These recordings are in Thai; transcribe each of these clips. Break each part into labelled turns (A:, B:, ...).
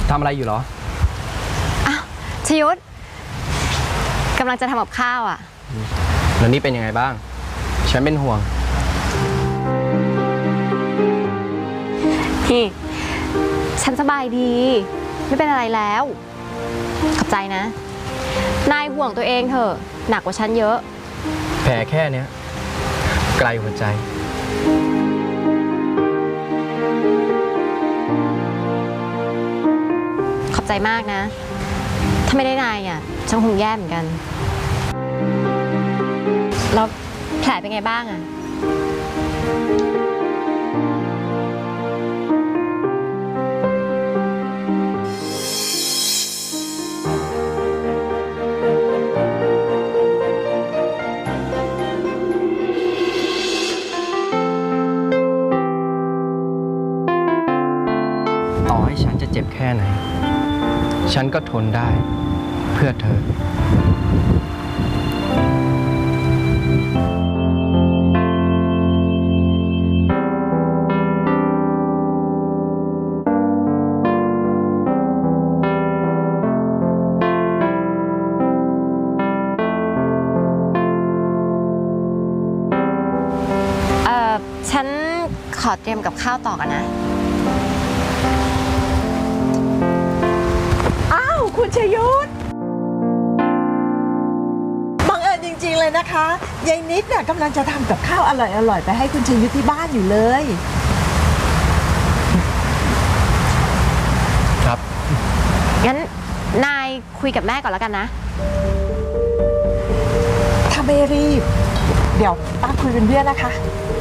A: ทำอะไรอยู่เหรอ
B: อ้าวชยุทธกำลังจะทำกับข้าวอ่ะ
A: แล้วนี่เป็นยังไงบ้างฉันเป็นห่วง
B: พี่ฉันสบายดีไม่เป็นอะไรแล้วขอบใจนะนายห่วงตัวเองเถอะหนักกว่าฉันเยอะ
A: แผลแค่เนี้ยไกลหัวใจ
B: ขอบใจมากนะถ้าไม่ได้นายอ่ะฉันคงแย่เหมือนกันแล้วแผลเป็นไงบ้างอ่ะ
A: ต่อให้ฉันจะเจ็บแค่ไหนฉันก็ทนได้เพื่อเธอ
B: ฉันขอเตรียมกับข้าวต่อกันนะ
C: อ้าวคุณชยุทธบังเอิญจริงๆเลยนะคะยายนิดเนี่ยกำลังจะทำกับข้าวอร่อยๆไปให้คุณชยุทธที่บ้านอยู่เลย
A: ครับ
B: งั้นนายคุยกับแม่ก่อนแล้วกันนะ
C: ถ้าไม่รีบเดี๋ยวป้าคุยเป็นเพื่อนนะคะ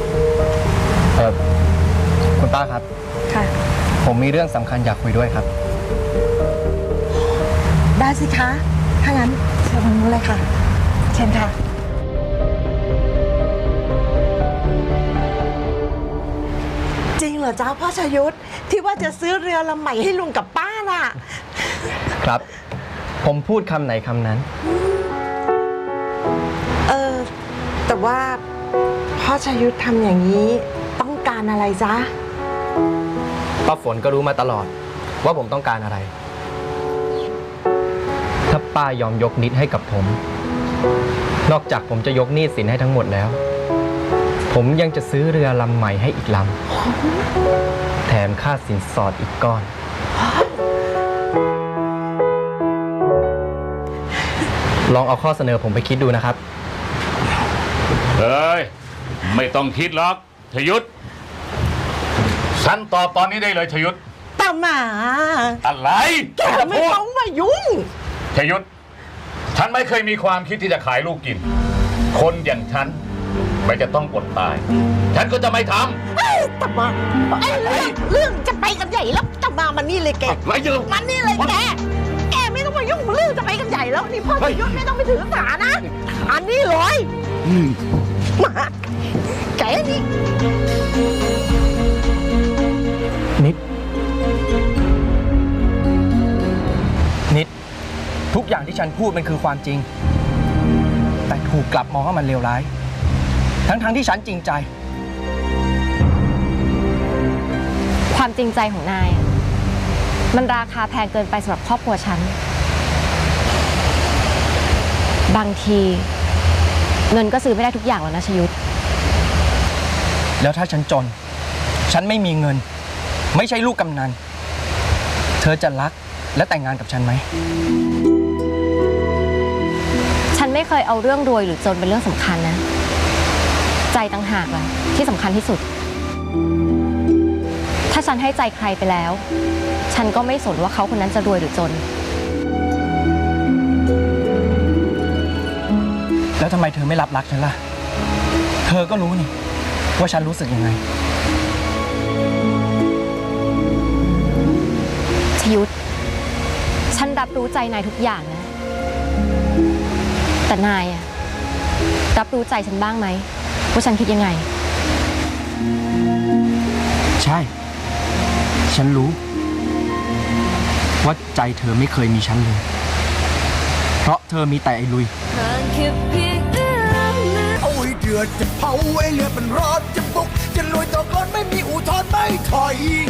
A: คุณป้าครับ
C: ค่ะ
A: ผมมีเรื่องสำคัญอยากคุยด้วยครับ
C: ได้สิคะถ้างั้นเชิญทางนู้นเลยค่ะเชิญค่ะจริงเหรอจ้าพ่อชยุทธที่ว่าจะซื้อเรือลำใหม่ให้ลุงกับป้าน่ะ
A: ครับผมพูดคำไหนคำนั้น
C: แต่ว่าพ่อชยุทธทำอย่างนี้ต้องการอะไรจ๊ะ
A: ป้าฝนก็รู้มาตลอดว่าผมต้องการอะไรถ้าป้ายอมยกนิดให้กับผมนอกจากผมจะยกหนี้สินให้ทั้งหมดแล้วผมยังจะซื้อเรือลำใหม่ให้อีกลำแถมค่าสินสอดอีกก้อนลองเอาข้อเสนอผมไปคิดดูนะครับ
D: เฮ้ยไม่ต้องคิดหรอกชยุทธฉันตอบตอนนี้ได้เลยชยุทธ
C: ตาหมา
D: อะไร
C: แกไม่ต้องมายุ่ง
D: ชยุทธฉันไม่เคยมีความคิดที่จะขายลูกกินคนอย่างฉันไม่จะต้องอดตายฉันก็จะไม่ท
C: ำตาหมาเรื่องจะไปกันใหญ่แล้วตาหมามันนี่เลยแกมันนี่เลยแกไม่ต้องมายุ่งเรื่องจะไปกันใหญ่แล้วนี่พ่อชยุทธไม่ต้องไปถือสานะอันนี้เลยมาแกนี่
A: นิดทุกอย่างที่ฉันพูดมันคือความจริงแต่ถูกกลับมองว่ามันเลวร้ายทั้งที่ฉันจริงใจ
B: ความจริงใจของนายมันราคาแพงเกินไปสำหรับครอบครัวฉันบางทีเงินก็ซื้อไม่ได้ทุกอย่างแล้วนะชยุทธ
A: แล้วถ้าฉันจนฉันไม่มีเงินไม่ใช่ลูกกำนันเธอจะรักและแต่งงานกับฉันไหม
B: ฉันไม่เคยเอาเรื่องรวยหรือจนเป็นเรื่องสำคัญนะใจต่างหากแหละที่สำคัญที่สุดถ้าฉันให้ใจใครไปแล้วฉันก็ไม่สนว่าเขาคนนั้นจะรวยหรือจน
A: แล้วทำไมเธอไม่รับรักฉันล่ะเธอก็รู้นี่ว่าฉันรู้สึกยังไง
B: ชยุทธฉันรับรู้ใจนายทุกอย่างนะแต่นายอะรับรู้ใจฉันบ้างไหมว่าฉันคิดยังไง
A: ใช่ฉันรู้ว่าใจเธอไม่เคยมีฉันเลยเพราะเธอมีแต่ไอ้ลุย
E: โอ้ยเดือดจะเผาไอ้เลือดมันร้อนจะบุกจะลุยต่อก่อนไม่มีอุทธรณ์ไม่ถอย